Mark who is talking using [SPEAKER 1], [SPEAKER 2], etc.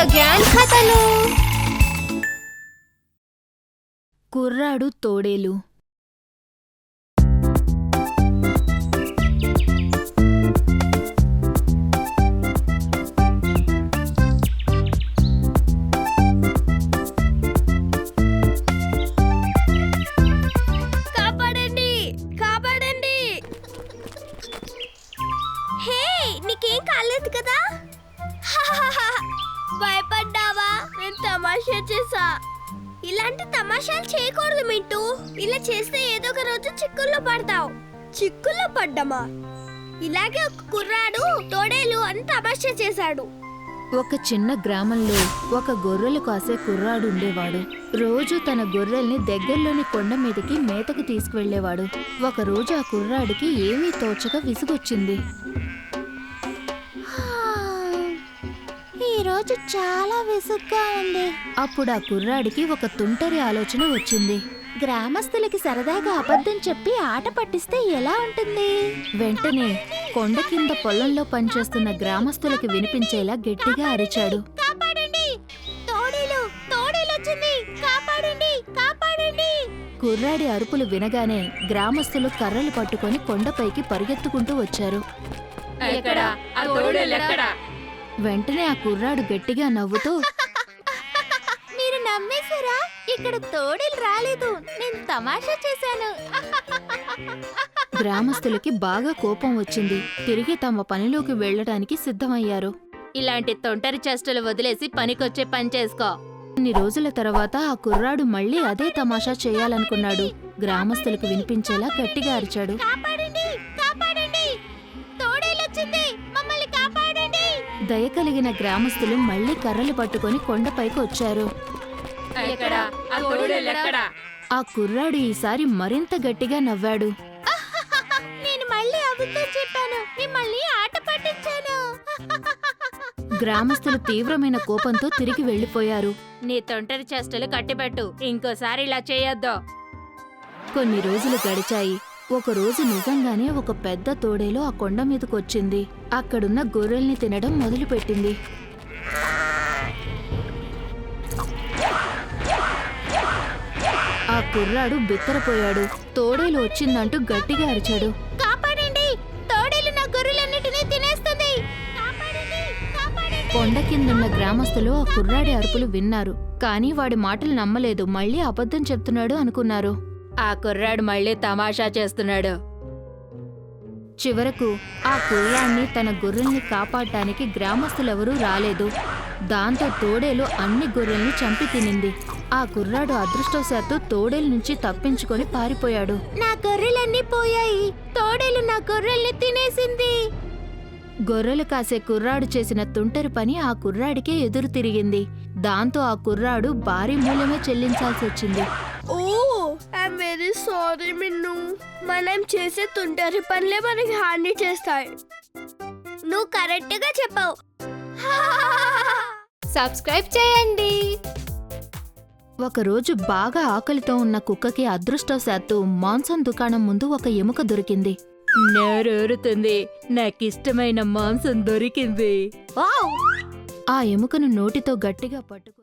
[SPEAKER 1] Grand కథలు.
[SPEAKER 2] కుర్రాడు తోడేలు.
[SPEAKER 1] కాపాడండి, కాపాడండి. హే, నీకేం కాలేదు కదా? భయపడ్డావా? నేను తమాషా చేసా. ఇలాంటి తమాషాలు చేయకూడదు మింటూ. ఇలా చేస్తే ఏదో ఒక రోజు చిక్కుల్లో పడతావు. చిక్కుల్లో పడ్డమా? ఇలాగే ఒక కుర్రాడు తోడేలు అని తమాషా చేశాడు.
[SPEAKER 2] ఒక చిన్న గ్రామంలో ఒక గొర్రెలు కాసే కుర్రాడు ఉండేవాడు. రోజు తన గొర్రెల్ని దగ్గరలోని కొండ మీదకి మేతకు తీసుకువెళ్లేవాడు. ఒకరోజు ఆ కుర్రాడికి ఏమీ తోచక విసుగొచ్చింది. ఈరోజు చాలా విసుగ్గా ఉంది. అప్పుడు ఆ కుర్రాడికి ఒక తుంటరి ఆలోచన వచ్చింది. గ్రామస్తులకి సరదాగా అబద్ధం చెప్పి ఆట పట్టిస్తే ఎలా ఉంటుంది? వెంటనే కొండ కింద పొలంలో పనిచేస్తున్న గ్రామస్తులకి వినిపించేలా గట్టిగా అరిచాడు. కుర్రాడి అరుపులు వినగానే గ్రామస్తులు కర్రలు పట్టుకొని కొండపైకి పరిగెత్తుకుంటూ వచ్చారు. వెంటనే ఆ కుర్రాడు గట్టిగా నవ్వుతూ, మీరు నమ్మేశారా? ఇక్కడ తోడేలు రాలేదు, నేను తమాషా చేశాను. గ్రామస్తులకి బాగా కోపం వచ్చింది. తిరిగి తమ పనిలోకి వెళ్లడానికి సిద్ధమయ్యారు. ఇలాంటి తొంటరి చేష్టలు వదిలేసి పనికొచ్చే పని చేసుకో. కొన్ని రోజుల తర్వాత ఆ కుర్రాడు మళ్ళీ అదే తమాషా చేయాలనుకున్నాడు. గ్రామస్తులకు వినిపించేలా గట్టిగా అరిచాడు. దయ కలిగిన గ్రామస్తులు మళ్లీ కర్రలు పట్టుకొని కొండపైకి వచ్చారు. ఆ కుర్రాడు ఈసారి మరింత గట్టిగా నవ్వాడు. నేను మళ్ళీ అబద్ధం చెప్పాను, మిమ్మల్ని ఆట పట్టించాను. గ్రామస్తులు తీవ్రమైన కోపంతో తిరిగి వెళ్లిపోయారు. నీ తొంటరి చేష్టలు కట్టిపెట్టు, ఇంకోసారి ఇలా చేయొద్దు. కొన్ని రోజులు గడిచాయి. ఒకరోజు నిజంగానే ఒక పెద్ద తోడేలు ఆ కొండ మీదకొచ్చింది. అక్కడున్న గొర్రెల్ని తినడం మొదలుపెట్టింది. ఆ కుర్రాడు బిత్తరపోయాడు. తోడేలు వచ్చిందంటూ గట్టిగా అరిచాడు. కాపాడండి, తోడేలు నా గొర్రెలన్నిటినీ తినేస్తుంది. కొండ కిందున్న గ్రామస్తులు ఆ కుర్రాడి అరుపులు విన్నారు. కానీ వాడి మాటలు నమ్మలేదు. మళ్ళీ అబద్ధం చెప్తున్నాడు అనుకున్నారు. ఆ కుర్రాడు మళ్ళీ తమాషా చేస్తున్నాడు. చివరకు ఆ కుర్రాడిని తన గొర్రెల్ని కాపాడటానికి గ్రామస్తులెవరూ రాలేదు. దాంతో తోడేలు అన్ని గొర్రెల్ని చంపి తినింది. ఆ కుర్రాడు అదృష్టవశాత్తు తోడేలు నుంచి తప్పించుకొని పారిపోయాడు. నా గొర్రెలన్నీ పోయాయి, తోడేలు నా గొర్రెల్ని తినేసింది. గొర్రెలు కాసే కుర్రాడు చేసిన తుంటరి పని ఆ కుర్రాడికే ఎదురు తిరిగింది. దాంతో ఆ కుర్రాడు భారీ మూల్యమే చెల్లించాల్సి వచ్చింది.
[SPEAKER 1] Oh, I'm very sorry Minnu. మనం చేసే తుంటరి పనులే మనకి హాని చేస్తాయి. నువ్వు కరెక్ట్ గా చెప్పావు. సబ్స్క్రైబ్ చేయండి.
[SPEAKER 2] ఒకరోజు బాగా ఆకలితో ఉన్న కుక్కకి అదృష్టవశాత్తు మాంసం దుకాణం ముందు ఒక ఎముక దొరికింది. నోరూరుతుంది, నాకిష్టమైన మాంసం దొరికింది. ఆ ఎముకను నోటితో గట్టిగా పట్టుకు